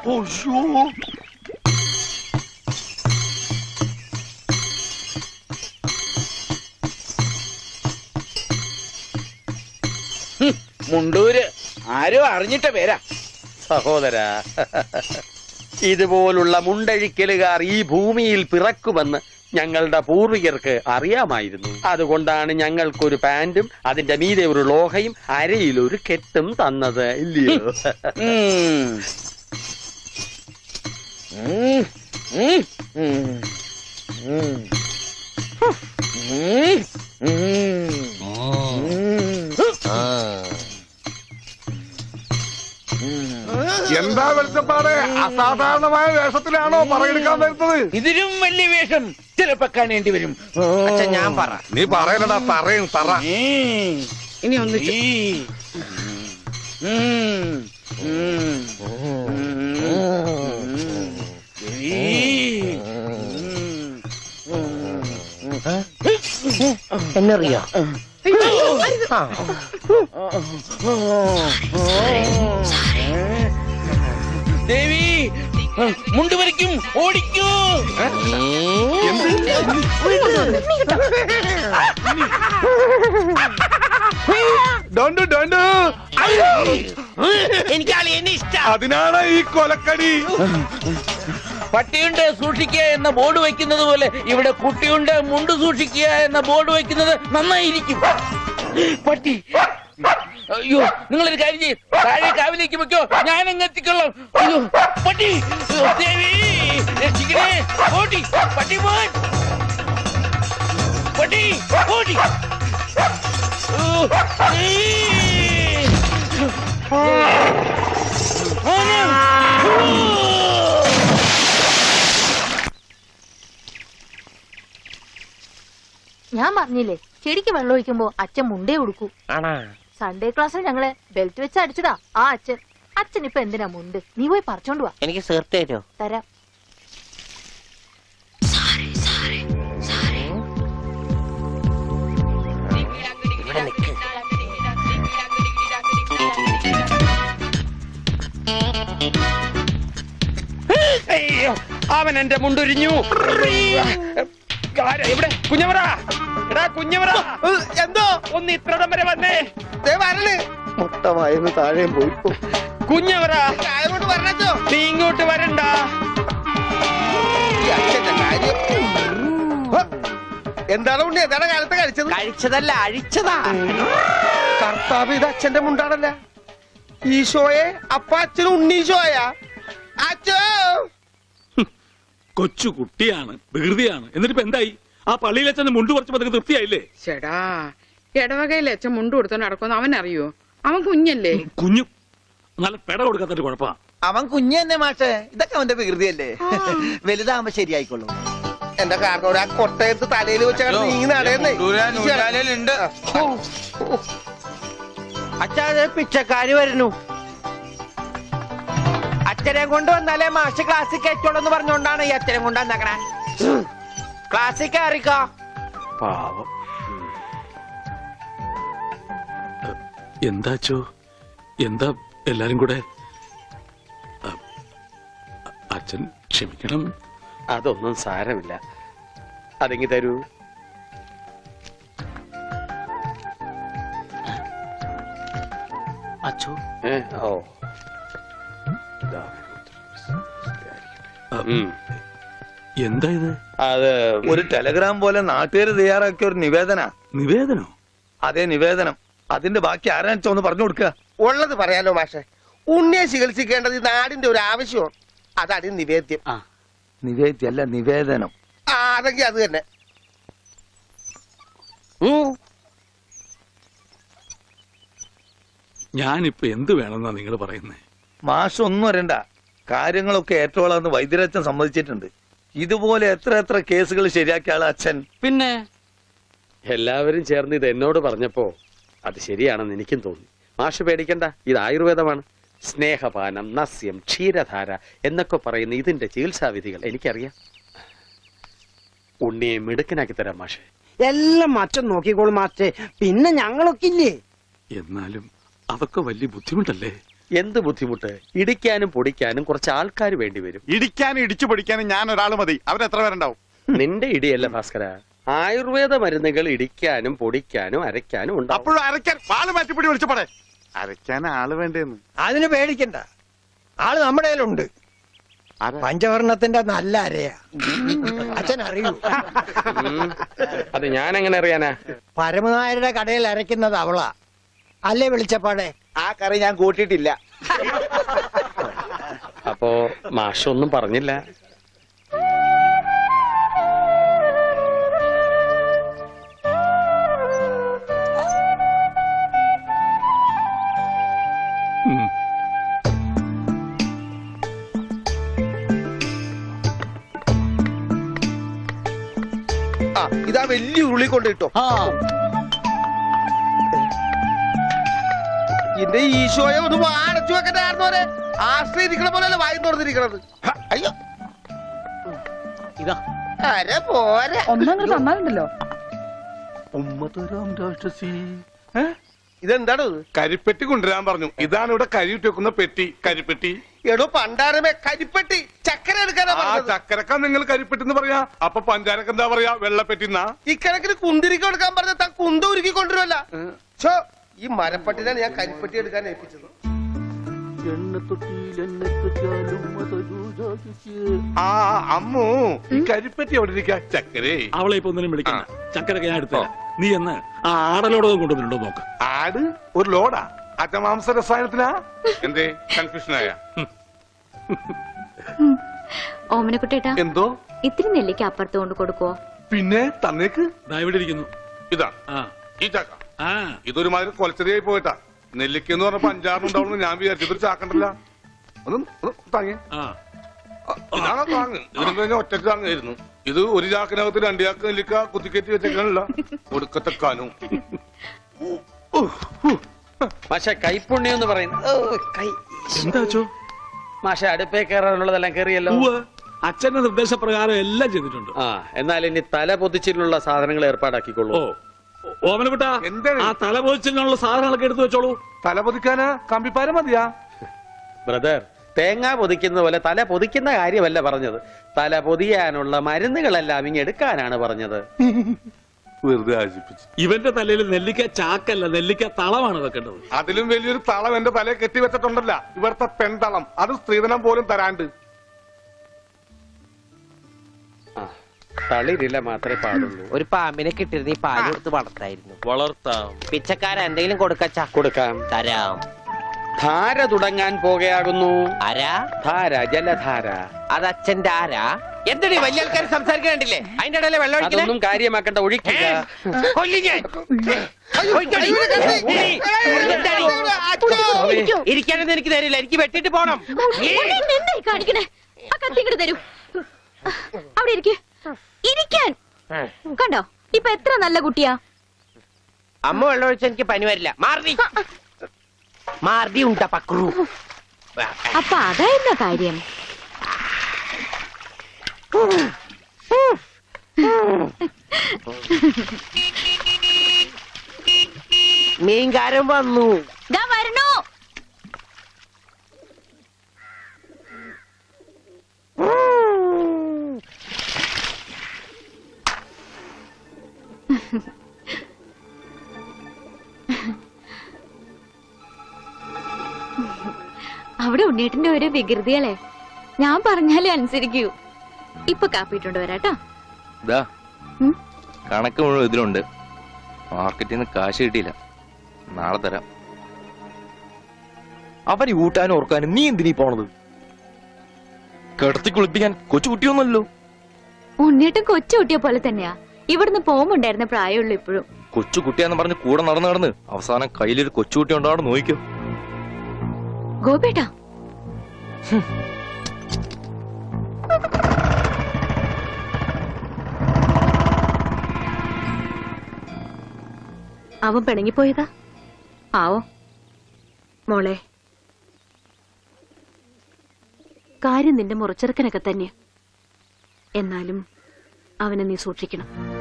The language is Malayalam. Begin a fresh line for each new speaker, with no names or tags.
മുണ്ടൂര് ആരോ അറിഞ്ഞിട്ട പേരാ.
സഹോദരാ, ഇതുപോലുള്ള മുണ്ടഴിക്കലുകാർ ഈ ഭൂമിയിൽ പിറക്കുമെന്ന് ഞങ്ങളുടെ പൂർവികർക്ക് അറിയാമായിരുന്നു. അതുകൊണ്ടാണ് ഞങ്ങൾക്കൊരു പാന്റും അതിന്റെ മീതെ ഒരു ലോഹയും അരയിലൊരു കെട്ടും തന്നത്, ഇല്ലയോ?
എന്താ വെളിച്ചപ്പാട്? അസാധാരണമായ വേഷത്തിലാണോ പറയെടുക്കാൻ വരുന്നത്?
ഇതിലും വലിയ വേഷം ചിലപ്പോ കാണേണ്ടി വരും.
ഞാൻ പറ,
നീ പറയലടാ, തറയും തറ.
ഇനി ഒന്ന്
എന്നറിയോ?
ദേവി മുണ്ട് വരയ്ക്കും, ഓടിക്കൂ.
എനിക്ക് അളിയനെ ഇഷ്ടം.
അതിനാണ് ഈ കൊലക്കടി.
പട്ടിയുണ്ട് സൂക്ഷിക്കുക എന്ന ബോർഡ് വയ്ക്കുന്നത് പോലെ ഇവിടെ കുട്ടിയുണ്ട് മുണ്ട് സൂക്ഷിക്കുക എന്ന ബോർഡ് വയ്ക്കുന്നത് നന്നായിരിക്കും. പട്ടി, അയ്യോ, നിങ്ങളൊരു കാര്യം ചെയ്യും, താഴെ കാവിലേക്ക് വെക്കോ, ഞാൻ അങ്ങ് എത്തിക്കൊള്ളാം. അയ്യോ പട്ടി, ദേവി രക്ഷിക്കണേ. ഓടി പട്ടി, മോൻ പട്ടി, ഓടി.
ഞാൻ പറഞ്ഞില്ലേ, ചെടിക്ക് വെള്ളം ഒഴിക്കുമ്പോ അച്ഛൻ മുണ്ടേ കൊടുക്കൂ. സൺഡേ ക്ലാസ്സിൽ ഞങ്ങളെ ബെൽറ്റ് വെച്ച് അടിച്ചതാ ആ അച്ഛൻ. അച്ഛൻ ഇപ്പൊ എന്തിനാ മുണ്ട്? നീ പോയി പറിച്ചോണ്ട് വാ.
എനിക്ക് സേർത്ത് തരോ?
തരാം.
ഇവിടെ നിക്ക്.
അവൻ എന്റെ മുണ്ടൊരിഞ്ഞു. ഇവിടെ കുഞ്ഞവറ, എടാ കുഞ്ഞവറ,
എന്തോ
ഒന്ന് ഇത്രടം വരെ വന്നേ.
മുട്ടമായെന്ന് താഴെ പോയി.
കുഞ്ഞവറ,
പറഞ്ഞോ
നീ ഇങ്ങോട്ട് വരണ്ട.
എന്താണ് ഉണ്ണി? എന്താണ് കാലത്ത് കഴിച്ചത്? കഴിച്ചതല്ല, അഴിച്ചതാ. കർത്താവ്, ഇത് അച്ഛന്റെ മുണ്ടാണല്ല. ഈശോയെ, അപ്പ അച്ഛന് ഉണ്ണീശോയാ? അച്ഛോ,
കൊച്ചു കുട്ടിയാണ്, വികൃതിയാണ്. എന്നിട്ടിപ്പോ എന്തായി? ആ പള്ളിയിൽ അച്ഛൻ മുണ്ട് കുറച്ച് പതുക്കെ തൃപ്തിയായില്ലേ?
ചേടാ, ഇടവകയിൽ അച്ഛൻ മുണ്ട് കൊടുത്തോ നടക്കുമെന്ന് അവൻ അറിയോ? അവൻ കുഞ്ഞല്ലേ?
കുഞ്ഞു നല്ല പെട കൊടുക്കാത്തൊരു കുഴപ്പാ.
അവൻ കുഞ്ഞു തന്നെ മാഷേ. ഇതൊക്കെ അവന്റെ വികൃതിയല്ലേ. വലുതാകുമ്പോ ശരിയായിക്കൊള്ളു. എന്റെ കാരണോട് ആ കൊട്ടയത്ത് തലയിൽ വെച്ച നീങ്ങി നടയുന്നേ. അച്ഛാ, പിച്ചക്കാര് വരുന്നു. അച്ഛനെ കൊണ്ട് വന്നാലേ മാഷ് ക്ലാസ്സിൽ കയറ്റുള്ളൂ എന്ന് പറഞ്ഞോണ്ടാണ് ഈ അച്ഛനെ കൊണ്ട് വന്നേക്കണേ. ക്ലാസ്സിൽ കയറിക്കോ.
പാവം.
എന്താച്ചോ, എന്താ എല്ലാരും കൂടെ? അച്ഛൻ ക്ഷമിക്കണം.
അതൊന്നും സാരമില്ല. അതെങ്കി തരൂ.
അച്ഛോ,
ഓ,
എന്താ ഇത്?
അത്
ഒരു ടെലഗ്രാം പോലെ നാട്ടുകാര് തയ്യാറാക്കിയ ഒരു
നിവേദനോ?
അതേ, നിവേദനം. അതിന്റെ ബാക്കി ആരാ ഒന്ന് പറഞ്ഞു കൊടുക്കുക.
ഉള്ളത് പറയാലോ മാഷെ. ഉണ്ണിയെ ചികിത്സിക്കേണ്ടത് ഈ നാടിന്റെ ഒരു ആവശ്യമാണ്. അതാണ് നിവേദ്യം.
നിവേദ്യല്ല, നിവേദനം.
അതെങ്കിൽ അത് തന്നെ.
ഞാനിപ്പോ എന്ത് വേണമെന്നാ നിങ്ങൾ പറയുന്നേ?
മാഷ് ഒന്നും വരണ്ട. കാര്യങ്ങളൊക്കെ ഏറ്റോളാന്ന് വൈദ്യരച്ഛൻ സമ്മതിച്ചിട്ടുണ്ട്. ഇതുപോലെ എത്ര എത്ര കേസുകൾ ശരിയാക്കിയ ആള് അച്ഛൻ.
പിന്നെ എല്ലാവരും ചേർന്ന് ഇത് എന്നോട് പറഞ്ഞപ്പോ അത് ശരിയാണെന്ന് എനിക്കും തോന്നി. മാഷ് പേടിക്കണ്ട, ഇത് ആയുർവേദമാണ്. സ്നേഹപാനം, നസ്യം, ക്ഷീരധാര എന്നൊക്കെ പറയുന്ന ഇതിന്റെ ചികിത്സാവിധികൾ എനിക്കറിയാം. ഉണ്ണിയെ മിടുക്കനാക്കി തരാം മാഷെ.
എല്ലാം അച്ഛൻ നോക്കിക്കോളും മാസ്റ്റേ. പിന്നെ ഞങ്ങളൊക്കെ ഇല്ലേ?
എന്നാലും അതൊക്കെ വലിയ ബുദ്ധിമുട്ടല്ലേ?
എന്ത് ബുദ്ധിമുട്ട്? ഇടിക്കാനും പൊടിക്കാനും കുറച്ച് ആൾക്കാർ വേണ്ടി വരും.
ഇടിക്കാനും ഇടിച്ചു പൊടിക്കാനും ഞാൻ ഒരാൾ മതി. അവരെത്ര പേരുണ്ടാവും?
നിന്റെ ഇടിയല്ല ഭാസ്കര, ആയുർവേദ മരുന്നുകൾ ഇടിക്കാനും പൊടിക്കാനും അരയ്ക്കാനും ഉണ്ടാവും.
അപ്പോഴും അരയ്ക്കാൻ വാള് മാറ്റിപ്പിടി വിളിച്ചപ്പോടെ. അരയ്ക്കാൻ ആള് വേണ്ടേന്ന്.
അതിന് പേടിക്കണ്ട, ആള് നമ്മുടെ കയ്യിലുണ്ട്. പഞ്ചവർണത്തിന്റെ നല്ല അരയാ. അച്ഛൻ അറിയൂ?
അത് ഞാൻ എങ്ങനെ അറിയാനാ?
പരമനായരുടെ കടയിൽ അരയ്ക്കുന്നത് അവളാ. അല്ലേ വിളിച്ചപ്പാടെ?
ആ കറി ഞാൻ കൂട്ടിയിട്ടില്ല.
അപ്പോ മാഷൊന്നും പറഞ്ഞില്ല.
ആ ഇതാ വലിയ ഉരുളി കൊണ്ട് കിട്ടോ. എന്റെ ഈശോയെ ഒന്ന് അടച്ചു വെക്കണ്ടായിരുന്നോരെ. ആശ്രയിരിക്കണ പോലെയല്ല വായി തുറന്നിരിക്കണത്. അയ്യോ ഇതാ അര പോരെ.
ഒന്നങ്ങ് തന്നാലുണ്ടല്ലോ.
ഇതെന്താണ്?
കരിപ്പെട്ടി കൊണ്ടുവരാൻ പറഞ്ഞു. ഇതാണ് ഇവിടെ കരിയിട്ട് വെക്കുന്ന പെട്ടി. കരിപ്പെട്ടി.
എടോ പണ്ടാരമേ, കരിപ്പെട്ടി ചക്കര എടുക്കാനാ
ആ
പറഞ്ഞത്.
ചക്കരക്ക നിങ്ങൾ കരിപ്പെട്ടി എന്ന് പറയാ. അപ്പൊ പഞ്ചാരക്ക് എന്താ പറയാ? വെള്ളപ്പെട്ടിന്നാ.
ഇക്കണക്കിന് കുന്തിരിക്ക എടുക്കാൻ പറഞ്ഞ താൻ കുന്ത ഉരുക്കി കൊണ്ടുവരുമല്ല. ഛോ, ഈ മരപ്പട്ടിനാണ് ഞാൻ കരിപ്പെട്ടി എടുക്കാൻ ഏൽപ്പിച്ചത്.
ആ അമ്മു, ഈ കരിപ്പെട്ടി എവിടെ ഇരിക്കാ? ചക്കരേ.
അവളെ ഇപ്പൊ ഒന്നിനും വിളിക്കണ്ട. ചക്കരൊക്കെ ഞാൻ എടുത്തരാം. നീ എന്ന് ആ ആടലോടകം കൊണ്ടുവന്നിട്ടുണ്ടോ നോക്ക്.
ആട് ഒരു ലോഡാ? അജമാംസ രസായനത്തിനാ? എന്തേ കൺഫ്യൂഷനായ?
ഓമനക്കുട്ടേട്ടാ,
എന്തോ
ഇത്തിരി നെല്ലിക്ക് അപ്പുറത്ത് കൊണ്ട് കൊടുക്കുവോ?
പിന്നെ തന്നേക്ക്.
ദാ ഇവിടെ ഇരിക്കുന്നു.
ഇതാ
ആ
ഈ ചക്ക.
ആ
ഇതൊരുമാതിരി കൊലച്ചെറിയായി പോയിട്ടാ. നെല്ലിക്കെന്ന് പറഞ്ഞപ്പോ 5-6 ഉണ്ടാവുന്നു ഞാൻ വിചാരിച്ചു. ഇതൊരു ചാക്കണ്ടല്ല. ഒന്ന് താങ്ങി.
ആ
ഇതാണോ താങ്ങ്? ഇതിന് കഴിഞ്ഞ ഒറ്റക്ക് താങ്ങായിരുന്നു. ഇത് ഒരു ചാക്കിനകത്ത് 2 ചാക്ക് നെല്ലിക്ക കുത്തിക്കയറ്റി വെച്ചേക്കാനല്ല. ഒടുക്കത്തെ കാനും.
മാഷെ കൈപ്പുണ്യം എന്ന് പറയുന്നത്
എന്താ വെച്ചോ?
മാഷെ അടുപ്പേ കയറാനുള്ളതെല്ലാം കയറിയല്ലോ.
അച്ഛന്റെ നിർദ്ദേശപ്രകാരം എല്ലാം ചെയ്തിട്ടുണ്ട്.
ആ എന്നാൽ ഇനി തല പൊതിച്ചിട്ടുള്ള സാധനങ്ങൾ ഏർപ്പാടാക്കിക്കൊള്ളൂ.
ഓ ഓമനക്കുട്ട,
എന്താണ്?
ആ തലപോച്ചിനുള്ള സാധനങ്ങളൊക്കെ എടുത്തു വെച്ചോളൂ.
തല പൊതിക്കാനാ കമ്പിപ്പാര മതിയാ?
ബ്രദർ, തേങ്ങ പൊതിക്കുന്ന പോലെ തല പൊതിക്കുന്ന കാര്യമല്ല പറഞ്ഞത്. തല പൊതിയാനുള്ള മരുന്നുകളെല്ലാം ഇങ്ങ് എടുക്കാനാണ് പറഞ്ഞത്.
വെറുതെ ആശിപ്പിച്ചു.
ഇവന്റെ തലയിൽ നെല്ലിക്ക ചാക്കല്ല, നെല്ലിക്ക തളമാണ് വെക്കേണ്ടത്.
അതിലും വലിയൊരു തളം എന്റെ തലയെ കെട്ടിവെച്ചിട്ടുണ്ടല്ല. ഇവിടുത്തെ പെൺതളം. അത് സ്ത്രീധനം പോലും തരാണ്ട്.
ആ തളിരില മാത്രമേ പാടുള്ളൂ.
ഒരു പാമ്പിനെ കിട്ടിയിരുന്ന ഈ പാല് കൊടുത്ത് വളർത്തായിരുന്നു.
വളർത്താം.
പിച്ചക്കാര എന്തെങ്കിലും കൊടുക്കച്ചാ?
കൊടുക്കാം.
തരാം.
ധാര തുടങ്ങാൻ പോകുകയാകുന്നു.
ആരാ?
ധാര, ജലധാര.
അത് അച്ഛന്റെ ആരാ? എന്തൊരു വലിയ ആൾക്കാർ സംസാരിക്കണ്ടില്ലേ? അതിന്റെ ഇടയിലെ വെള്ളം ഒഴിക്കണേ?
അതൊന്നും കാര്യമാക്കണ്ട, ഒഴിക്കുക.
ഇരിക്കാനൊന്നും എനിക്ക് തരില്ല. എനിക്ക് വെട്ടിട്ട് പോണം.
എന്തായി കാണിക്കണേ? ആ കത്തി ഇങ്ങോട്ട് തരൂ. അവിടെ ഇരിക്കേ. ഇരിക്കാൻ കണ്ടോ? ഇപ്പൊ എത്ര നല്ല കുട്ടിയാ.
അമ്മ വെള്ളം ഒഴിച്ച എനിക്ക് പനി വരില്ല. മാർദി മാർദി ഉണ്ടാ പക്രു.
അപ്പൊ അതായിരുന്ന കാര്യം.
മീൻകാരൻ വന്നു.
ദാ വരണോ. അവിടെ ഉണ്ണീട്ടിന്റെ ഒരു വികൃതികളെ. ഞാൻ പറഞ്ഞാലേ അനുസരിക്കൂ. ഇപ്പൊ കാപ്പിട്ടുണ്ട് വരാട്ടോ.
കണക്ക് മുഴുവൻ ഇതിലുണ്ട്. മാർക്കറ്റിൽ നിന്ന് കാശ് കിട്ടിയില്ല. നാളെ തരാം. അവന് ഊട്ടാനും ഓർക്കാനും നീ എന്തിനീ പോണത്? കിടത്തി കുളിപ്പിക്കാൻ കൊച്ചു കുട്ടിയൊന്നുമല്ലോ.
ഉണ്ണീട്ടും കൊച്ചു കുട്ടിയെ പോലെ തന്നെയാ. ഇവിടുന്ന് പോകുമ്പോണ്ടായിരുന്ന പ്രായമുള്ളൂ ഇപ്പോഴും.
കൊച്ചു കുട്ടിയാന്ന് പറഞ്ഞ് കൂടെ നടന്ന് അവസാനം കയ്യിലൊരു കൊച്ചുകുട്ടി ഉണ്ടാവും. നോക്കിക്കോ
ഗോപേട്ടാ. അവൻ പിണങ്ങിപ്പോയതാ. ആവോ മോളെ, കാര്യം നിന്റെ മുറച്ചെറുക്കനൊക്കെ തന്നെ. എന്നാലും അവനെ നീ സൂക്ഷിക്കണം.